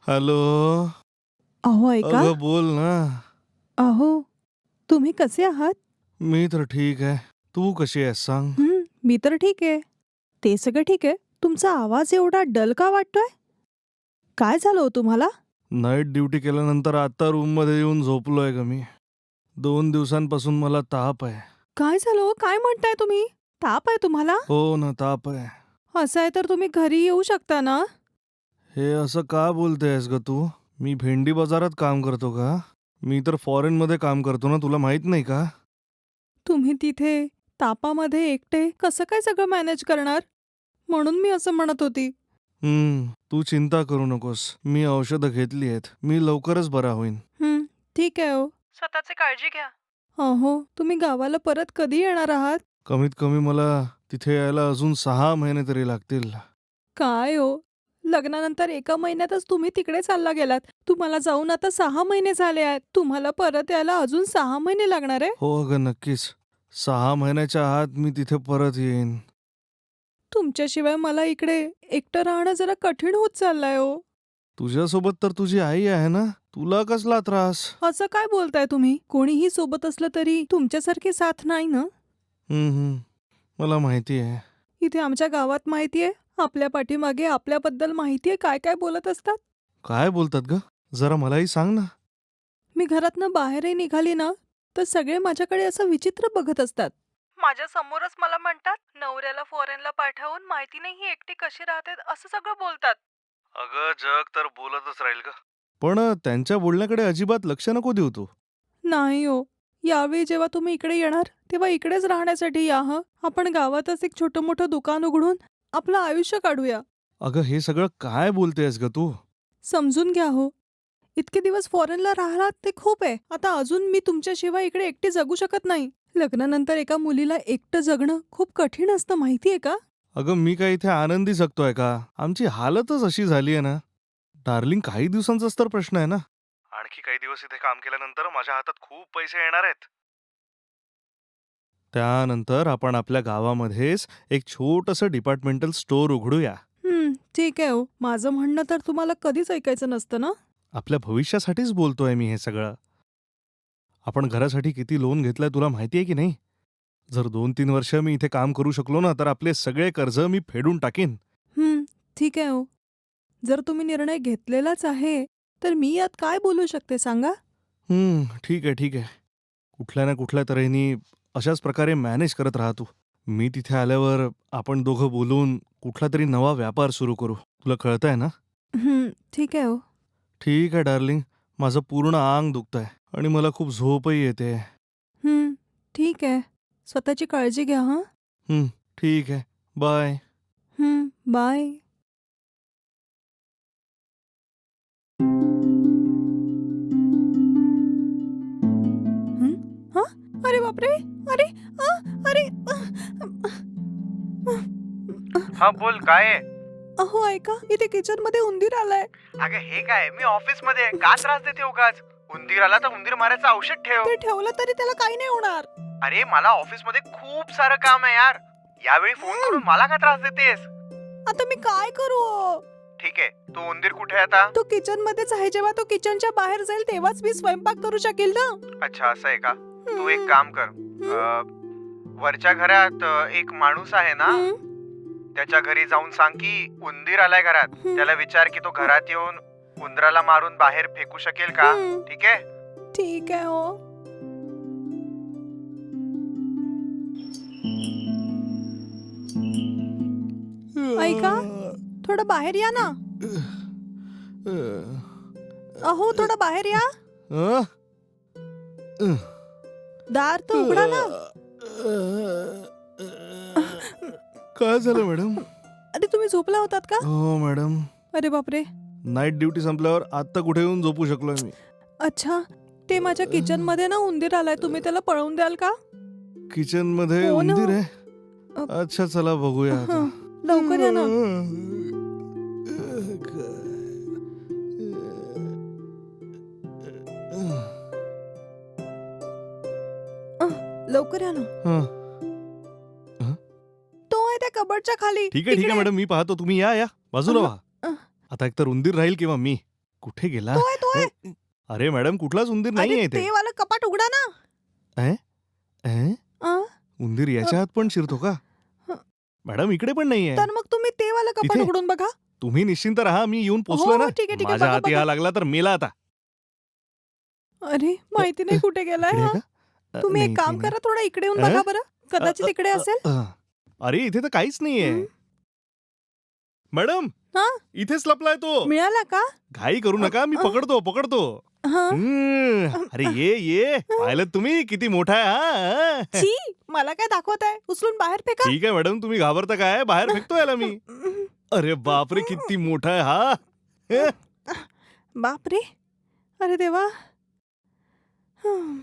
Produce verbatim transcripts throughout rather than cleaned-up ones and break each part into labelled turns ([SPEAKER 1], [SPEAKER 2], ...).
[SPEAKER 1] Hello.
[SPEAKER 2] अहो ऐका.
[SPEAKER 1] अगं बोल ना.
[SPEAKER 2] अहो, तुम्ही कसे आहात?
[SPEAKER 1] मी तर ठीक आहे. तू कशी आहेस सांग?
[SPEAKER 2] हं, मी तर ठीक आहे. ते सगळं ठीक आहे. तुमचा आवाज एवढा डल का वाटतोय? काय झालं हो तुम्हाला?
[SPEAKER 1] नाईट ड्युटी केल्यानंतर आता रूममध्ये येऊन झोपलोय ग मी. दोन दिवसांपासून मला ताप आहे.
[SPEAKER 2] काय झालं हो? काय म्हणताय तुम्ही? ताप आहे तुम्हाला?
[SPEAKER 1] हो ना, ताप आहे.
[SPEAKER 2] असं आहे तर तुम्ही घरी येऊ शकता ना?
[SPEAKER 1] हे असं का बोलतेयस ग तू? मी भेंडी बाजारात काम करतो का? मी तर फॉरेनमध्ये काम करतो ना, तुला माहित नाही का?
[SPEAKER 2] तुम्ही तिथे तापामध्ये एकटे कसं काय सगळं मॅनेज करणार? म्हणून मी असं म्हणत होती.
[SPEAKER 1] हम्म, तू चिंता करू नकोस. मी औषधं घेतली आहेत. मी लवकरच बरा होईन.
[SPEAKER 2] हं, ठीक आहे हो. स्वतःची काळजी घ्या. अहो, तुम्ही गावाला परत कधी येणार आहात?
[SPEAKER 1] कमीत कमी मला तिथे यायला अजून सहा महिने तरी लागतील.
[SPEAKER 2] काय हो? लग्नानंतर एका महिन्यातच तुम्ही तिकडे चालला गेलात. तुम्हाला जाऊन आता सहा महिने झाले आहेत. तुम्हाला परत यायला अजून सहा महिने लागणार आहे?
[SPEAKER 1] हो अगं, नक्कीच. सहा महिन्याच्या आत मी तिथे परत येईन.
[SPEAKER 2] तुमच्याशिवाय मला इकडे एकटं राहणं जरा कठीण होत चाललंय हो.
[SPEAKER 1] तुझ्यासोबत तर तुझी आई आहे ना? तुला कसला त्रास?
[SPEAKER 2] असं काय बोलताय तुम्ही? कोणीही सोबत असलं तरी तुमच्यासारखी साथ नाही ना?
[SPEAKER 1] हं, हं. मला माहिती आहे.
[SPEAKER 2] इथे आमच्या गावात माहितीये, आपल्या पाठीमागे आपल्याबद्दल माहितीये काय काय बोलत असतात.
[SPEAKER 1] काय बोलतात गं? जरा मलाही सांग ना.
[SPEAKER 2] मी घरातनं बाहेरही निघाली ना, तर सगळे माझ्याकडे असं विचित्र बघत असतात. माझ्या समोरच मला म्हणतात, नवऱ्याला फॉरेनला पाठवून माहिती नाही ही एकटी कशी राहते, असं सगळं बोलतात.
[SPEAKER 1] अगं, जग तर बोलतच राहील गं. पण अ, त्यांच्या बोलण्याकडे अजिबात लक्ष नको देऊ तू.
[SPEAKER 2] नाही हो. यावेळी जेव्हा तुम्ही इकडे येणार, तेव्हा इकडेच राहण्यासाठी या हं. आपण गावातच एक छोटं मोठं दुकान उघडून आपलं आयुष्य काढूया.
[SPEAKER 1] अगं, हे सगळं काय बोलतेयस गं तू?
[SPEAKER 2] समजून घ्या हो. इतके दिवस फॉरेनला राहिलात ते खूप आहे. आता अजून मी तुमच्याशिवाय इकडे एकटी जगू शकत नाही. लग्नानंतर एका मुलीला एकटं जगणं खूप कठीण असतं माहितीये का?
[SPEAKER 1] अगं, मी काय इथे आनंदी जगतोय का? आमची हालतच अशी झाली आहे ना. डार्लिंग, काही दिवसांचाच तर प्रश्न आहे ना. आणखी काही दिवस इथे काम केल्यानंतर माझ्या हातात खूप पैसे येणार आहेत. त्यानंतर आपण आपल्या गावामध्येच एक छोटंसं डिपार्टमेंटल स्टोअर उघडूया.
[SPEAKER 2] हं, ठीक आहे हो. माझं म्हणणं तर तुम्हाला कधीच ऐकायचं नसतं ना?
[SPEAKER 1] आपल्या भविष्यासाठीच बोलतोय मी हे सगळं. आपण घरासाठी किती लोन घेतलंय तुला माहिती आहे की नाही? जर दोन तीन वर्ष मी इथे काम करू शकलो ना, तर आपले सगळे कर्ज मी फेडून टाकीन.
[SPEAKER 2] हं, ठीक आहे हो. जर तुम्ही निर्णय घेतलेलाच आहे, तर मी यात काय बोलू शकते सांगा?
[SPEAKER 1] हं, ठीक आहे, ठीक आहे. कुठल्या ना कुठल्या तऱ्हेने अशाच प्रकारे मॅनेज करत राहा तू. मी तिथे आल्यावर आपण दोघं बोलून कुठलातरी नवा व्यापार सुरू करू. तुला कळतंय ना?
[SPEAKER 2] हं, ठीक आहे हो.
[SPEAKER 1] ठीक आहे डार्लिंग. माझं पूर्ण अंग दुखतंय आणि मला खूप झोपही येते.
[SPEAKER 2] हं, ठीक आहे. स्वतःची काळजी घ्या हं.
[SPEAKER 1] हं, ठीक आहे. बाय.
[SPEAKER 2] हं, बाय. हं? हां? अरे बापरे! अरे! आ! अरे!
[SPEAKER 3] हा बोल, काय आहे?
[SPEAKER 2] अहो ऐका, इथे किचनमध्ये उंदीर आलाय.
[SPEAKER 3] अगं हे काय, मी ऑफिस मध्ये आहे. का त्रास देते उगाच? उंदीर आला तर उंदीर मारायचं औषध ठेव.
[SPEAKER 2] ते ठेवलं तरी त्याला काही नाही होणार.
[SPEAKER 3] अरे मला ऑफिस मध्ये खूप सारं काम आहे यार. यावेळी फोन करून मला का त्रास देतेस?
[SPEAKER 2] आता मी काय करू हो?
[SPEAKER 3] ठीक आहे, तो उंदीर कुठे आहे आता?
[SPEAKER 2] तो किचन मध्येच आहे. जेव्हा तो किचनच्या बाहेर जाईल तेव्हाच मी स्वयंपाक करू शकेल ना.
[SPEAKER 3] अच्छा, असं आहे का? तू एक काम कर, अं, वरच्या घरात अं, एक माणूस आहे ना,
[SPEAKER 2] हं,
[SPEAKER 3] त्याच्या घरी जाऊन सांग की उंदीर आलाय घरात.
[SPEAKER 2] हं.
[SPEAKER 3] त्याला विचार की तो घरात येऊन उंदराला मारून बाहेर फेकू शकेल का?
[SPEAKER 2] हं.
[SPEAKER 3] ठीक आहे.
[SPEAKER 2] ठीक आहे हो. ऐका, थोडं बाहेर या ना. अहो थोडं बाहेर या.
[SPEAKER 1] अ?
[SPEAKER 2] दार तर उघडा ना.
[SPEAKER 1] काय झालं मॅडम?
[SPEAKER 2] अरे तुम्ही झोपला होतात का?
[SPEAKER 1] हो मॅडम.
[SPEAKER 2] अरे बापरे.
[SPEAKER 1] नाईट ड्युटी संपल्यावर आत्ता कुठे येऊन झोपू शकलोय मी.
[SPEAKER 2] अच्छा, ते माझ्या किचन मध्ये ना उंदीर आलाय. तुम्ही त्याला पळवून द्याल का?
[SPEAKER 1] किचन मध्ये
[SPEAKER 2] हो ना.
[SPEAKER 1] उंदीर आहे?
[SPEAKER 2] अ,
[SPEAKER 1] अच्छा, चला बघूया आता.
[SPEAKER 2] हं, लवकर या ना. अ, लवकर या ना.
[SPEAKER 1] हं.
[SPEAKER 2] तो आहे त्या कबडच्या खाली.
[SPEAKER 1] ठीक आहे, ठीक आहे
[SPEAKER 2] तिकडे.
[SPEAKER 1] मॅडम, मी पाहतो. तुम्ही या या बाजूला
[SPEAKER 2] अहं,
[SPEAKER 1] व्हा.
[SPEAKER 2] अह.
[SPEAKER 1] आता एकतर उंदीर राहील किंवा मी, कुठे गेला?
[SPEAKER 2] तो आहे तो आहे.
[SPEAKER 1] अ, अरे मॅडम कुठलाच उंदीर
[SPEAKER 2] अरे
[SPEAKER 1] नाहीये
[SPEAKER 2] ते
[SPEAKER 1] इथे.
[SPEAKER 2] वाला कपाट उघडा ना.
[SPEAKER 1] अं? अं?
[SPEAKER 2] अं?
[SPEAKER 1] उंदीर याच्या आत पण शिरतो का?
[SPEAKER 2] हं.
[SPEAKER 1] मॅडम इकडे पण नाहीये.
[SPEAKER 2] तर मग तुम्ही ते वाला कपाट
[SPEAKER 1] इथे?
[SPEAKER 2] उघडून बघा.
[SPEAKER 1] तुम्ही निश्चिंत राहा, मी येऊन
[SPEAKER 2] हो
[SPEAKER 1] पोचलोय
[SPEAKER 2] हो
[SPEAKER 1] ना.
[SPEAKER 2] ठीक आहे ठीक आहे
[SPEAKER 1] माझ्या
[SPEAKER 2] बघा
[SPEAKER 1] हाती
[SPEAKER 2] बघा.
[SPEAKER 1] हा लागला तर मेला आता.
[SPEAKER 2] अरे माहिती नाही कुठे गेलाय
[SPEAKER 1] इकडे
[SPEAKER 2] हा.
[SPEAKER 1] आहे का? अ,
[SPEAKER 2] तुम्ही
[SPEAKER 1] नाही
[SPEAKER 2] एक
[SPEAKER 1] इथे
[SPEAKER 2] काम
[SPEAKER 1] नाही.
[SPEAKER 2] करा थोडा इकडे येऊन
[SPEAKER 1] अं?
[SPEAKER 2] बघा बरं. कदाचित
[SPEAKER 1] अ,
[SPEAKER 2] इकडे
[SPEAKER 1] अ,
[SPEAKER 2] असेल.
[SPEAKER 1] अ, अरे इथे तर काहीच नाहीये.
[SPEAKER 2] हं.
[SPEAKER 1] मॅडम
[SPEAKER 2] हा
[SPEAKER 1] इथेच लपलाय तो.
[SPEAKER 2] मिळाला का?
[SPEAKER 1] घाई करू
[SPEAKER 2] अ,
[SPEAKER 1] नका, मी
[SPEAKER 2] अ,
[SPEAKER 1] पकडतो पकडतो.
[SPEAKER 2] हा.
[SPEAKER 1] हम्म. अरे ये ये पाहिलं तुम्ही किती मोठा आहे हा.
[SPEAKER 2] छी मला काय दाखवताय? उचलून बाहेर फेका.
[SPEAKER 1] ठीक आहे मॅडम, तुम्ही घाबरता काय? बाहेर फेकतो याला मी. अरे बापरे किती मोठा आहे हा. हं?
[SPEAKER 2] बापरे अरे देवा. हं.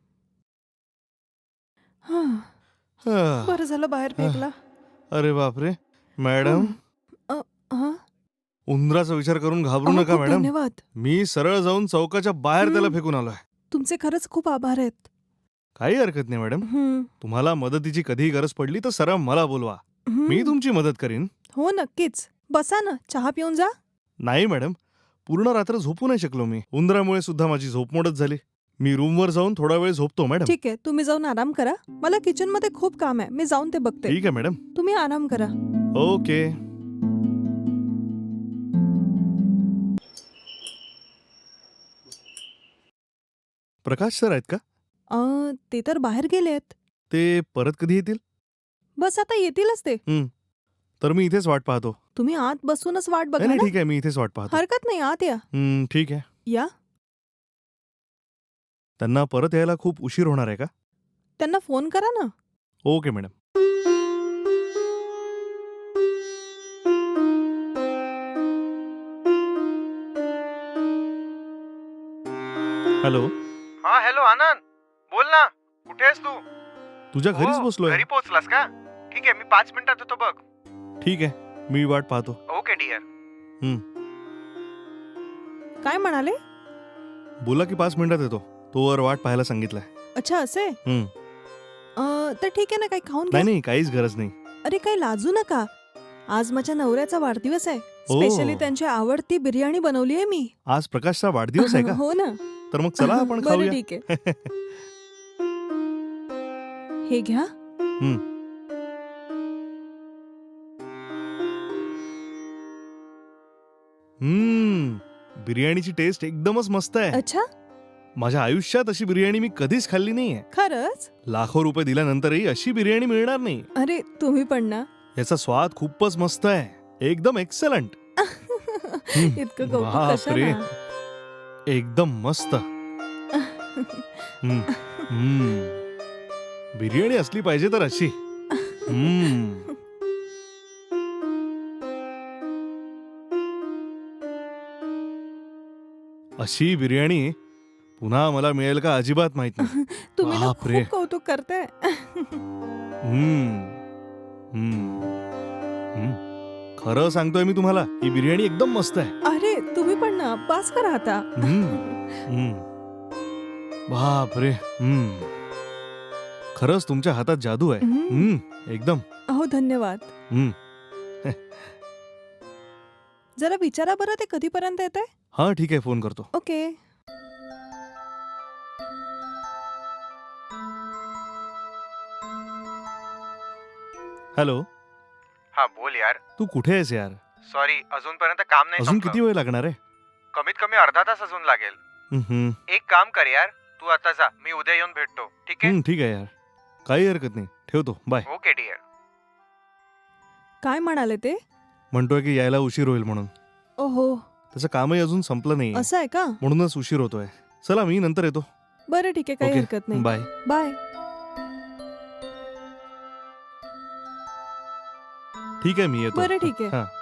[SPEAKER 2] हं.
[SPEAKER 1] हा.
[SPEAKER 2] बरं झालं बाहेर फेकला.
[SPEAKER 1] अरे बापरे मॅडम,
[SPEAKER 2] अ, हं?
[SPEAKER 1] उंदराचा विचार करून घाबरू
[SPEAKER 2] अहो,
[SPEAKER 1] नका
[SPEAKER 2] खूप
[SPEAKER 1] मॅडम.
[SPEAKER 2] धन्यवाद.
[SPEAKER 1] मी सरळ जाऊन चौकाच्या बाहेर त्याला
[SPEAKER 2] हं.
[SPEAKER 1] फेकून आलोय.
[SPEAKER 2] तुमचे खरंच खूप आभार आहेत.
[SPEAKER 1] काही हरकत नाही मॅडम.
[SPEAKER 2] हं.
[SPEAKER 1] तुम्हाला मदतीची कधीही गरज पडली तर सरळ मला बोलवा, मी
[SPEAKER 2] हं.
[SPEAKER 1] तुमची मदत करीन.
[SPEAKER 2] हो नक्कीच. बसा ना चहा पिऊन जा.
[SPEAKER 1] नाही मॅडम, पूर्ण रात्र झोपू नाही शकलो मी. उंदरामुळे सुद्धा माझी झोप मोडत झाली. मी रूमवर जाऊन थोडा वेळ झोपतो मॅडम.
[SPEAKER 2] ठीक आहे तुम्ही जाऊन आराम करा. मला किचन मध्ये खूप काम आहे. मी जाऊन ते बघते.
[SPEAKER 1] ठीक आहे मॅडम.
[SPEAKER 2] तुम्ही आराम करा.
[SPEAKER 1] ओके. प्रकाश सर आहेत का?
[SPEAKER 2] अ, ते तर बाहेर गेलेत.
[SPEAKER 1] ते परत कधी येतील?
[SPEAKER 2] बस आता येतीलच ते.
[SPEAKER 1] तर मी इथेच वाट पाहतो.
[SPEAKER 2] तुम्ही आत बसूनच वाट
[SPEAKER 1] नाही
[SPEAKER 2] बघा
[SPEAKER 1] नाही
[SPEAKER 2] ना.
[SPEAKER 1] ठीक आहे, मी इथेच वाट पाहतो.
[SPEAKER 2] हरकत नाही आत या.
[SPEAKER 1] हं, ठीक आहे.
[SPEAKER 2] या.
[SPEAKER 1] त्यांना परत यायला खूप उशीर होणार आहे का?
[SPEAKER 2] त्यांना फोन करा ना.
[SPEAKER 1] Okay madam. हॅलो.
[SPEAKER 3] हा हॅलो आनंद, बोल ना. कुठे आहेस तू?
[SPEAKER 1] तुझ्या घरीच
[SPEAKER 3] हो,
[SPEAKER 1] बसलोय.
[SPEAKER 3] घरी पोहोचलास का? ठीक आहे, मी पाच मिनिटात येतो बघ.
[SPEAKER 1] ठीक आहे, मी वाट पाहतो.
[SPEAKER 3] Okay dear.
[SPEAKER 2] काय म्हणाले?
[SPEAKER 1] बोला की पाच मिनिटात येतो. तोवर वाट पाहायला सांगितलंय.
[SPEAKER 2] अच्छा असे.
[SPEAKER 1] हं.
[SPEAKER 2] अ, तर ठीक आहे ना काही खाऊन घ्या.
[SPEAKER 1] नाही नाही काहीच गरज नाही.
[SPEAKER 2] अरे काही लाजू नका. आज माझ्या नवऱ्याचा वाढदिवस आहे.
[SPEAKER 1] ओ.
[SPEAKER 2] स्पेशली त्यांची आवडती बिर्याणी बनवली आहे मी.
[SPEAKER 1] आज प्रकाशचा वाढदिवस आहे का?
[SPEAKER 2] हो ना.
[SPEAKER 1] तर मग चला आपण
[SPEAKER 2] बरं
[SPEAKER 1] खाऊया.
[SPEAKER 2] ठीक आहे. हे घ्या.
[SPEAKER 1] हं. हम्म. बिर्याणीची टेस्ट एकदमच मस्त आहे.
[SPEAKER 2] अच्छा
[SPEAKER 1] माझ्या आयुष्यात अशी बिर्याणी मी कधीच खाल्ली नाहीये.
[SPEAKER 2] खरंच?
[SPEAKER 1] लाखो रुपये दिल्यानंतरही अशी बिर्याणी मिळणार नाही.
[SPEAKER 2] अरे तुम्ही पण ना.
[SPEAKER 1] याचा स्वाद खूपच मस्त आहे. एकदम एक्सलंट.
[SPEAKER 2] इतकं कौतुक
[SPEAKER 1] बापरे.
[SPEAKER 2] कशाला?
[SPEAKER 1] एकदम मस्त. हम्म. हम्म. बिर्याणी असली पाहिजे तर अशी. हम्म. अशी बिर्याणी पुन्हा मला मिळेल का अजिबात माहित नाही.
[SPEAKER 2] तुम्ही ना
[SPEAKER 1] बापरे.
[SPEAKER 2] खूप कौतुक करताय.
[SPEAKER 1] हम्म. हम्म. हम्म. खरं सांगतोय मी तुम्हाला, ही बिर्याणी एकदम मस्त आहे.
[SPEAKER 2] अरे तुम्ही पण ना बास करा आता.
[SPEAKER 1] हम्म. हम्म. बापरे. हम्म. खरंच तुमच्या हातात जादू आहे.
[SPEAKER 2] हम्म.
[SPEAKER 1] हम्म. एकदम.
[SPEAKER 2] हो धन्यवाद.
[SPEAKER 1] हम्म.
[SPEAKER 2] जरा विचारा बरं ते कधीपर्यंत येत आहे.
[SPEAKER 1] हा ठीक आहे, फोन करतो.
[SPEAKER 2] ओके.
[SPEAKER 3] हॅलो. हा बोल यार.
[SPEAKER 1] तू कुठे आहेस यार?
[SPEAKER 3] सॉरी, अजूनपर्यंत काम नाही
[SPEAKER 1] अजून
[SPEAKER 3] संपलं.
[SPEAKER 1] किती वेळ लागणार आहे?
[SPEAKER 3] कमीत कमी अर्धा तास अजून लागेल.
[SPEAKER 1] हम्म.
[SPEAKER 3] एक काम कर यार, तू आता जा, मी उद्या येऊन भेटतो. ठीक आहे?
[SPEAKER 1] हम्म, ठीक आहे यार, काही हरकत नाही. ठेवतो, बाय.
[SPEAKER 3] Okay dear.
[SPEAKER 2] काय म्हणाले ते?
[SPEAKER 1] म्हणतोय की यायला उशीर होईल म्हणून.
[SPEAKER 2] ओहो
[SPEAKER 1] त्याचं कामही अजून संपलं नाही,
[SPEAKER 2] असं आहे का?
[SPEAKER 1] म्हणूनच उशीर होतोय. चला मी नंतर येतो.
[SPEAKER 2] बरं ठीक आहे काही
[SPEAKER 1] ओके,
[SPEAKER 2] हरकत नाही.
[SPEAKER 1] बाय.
[SPEAKER 2] बाय.
[SPEAKER 1] ठीक आहे, मी येतो.
[SPEAKER 2] बरं ठीक आहे.
[SPEAKER 1] हा.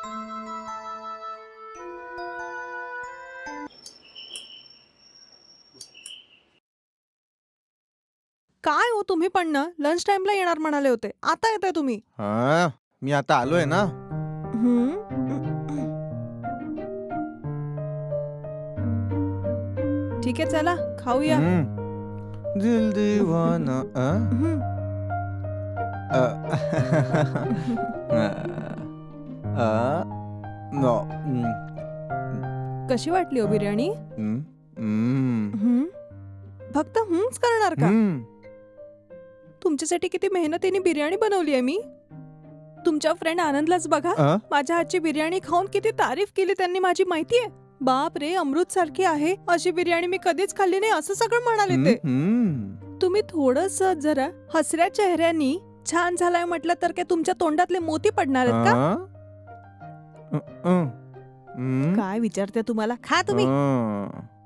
[SPEAKER 2] काय हो तुम्ही पण ना लंच टाइमला येणार म्हणाले होते. आता येताय तुम्ही.
[SPEAKER 4] हा मी आता आलोय ना.
[SPEAKER 2] हम्म. ठीक आहे चला खाऊया.
[SPEAKER 4] हम्म. दिल दीवाना अ?
[SPEAKER 2] हम्म.
[SPEAKER 4] अ. अ. अ. नो. हम्म.
[SPEAKER 2] कशी वाटली हो बिर्याणी?
[SPEAKER 4] हम्म, हम्म,
[SPEAKER 2] हं? फक्त हम्च करणार का?
[SPEAKER 4] हम्म.
[SPEAKER 2] तुमच्यासाठी किती मेहनतीने बिर्याणी बनवली आहे मी. तुमच्या फ्रेंड आनंदलाच बघा,
[SPEAKER 4] अ?
[SPEAKER 2] माझ्या हातची बिर्याणी खाऊन किती तारीफ केली त्यांनी माझी, माहितीये? बाप रे, अमृत सारखी आहे अशी बिर्याणी मी कधीच खाल्ली नाही असं सगळं म्हणाले ते.
[SPEAKER 4] हम्म.
[SPEAKER 2] तुम्ही थोडस जरा हसऱ्या चेहऱ्यानी छान झालाय म्हटलं तर काय तुमच्या तोंडातले मोती पडणार आहेत का?
[SPEAKER 4] अ? अ, अ. हम्म.
[SPEAKER 2] काय विचारते तुम्हाला, खा तुम्ही.
[SPEAKER 4] अ.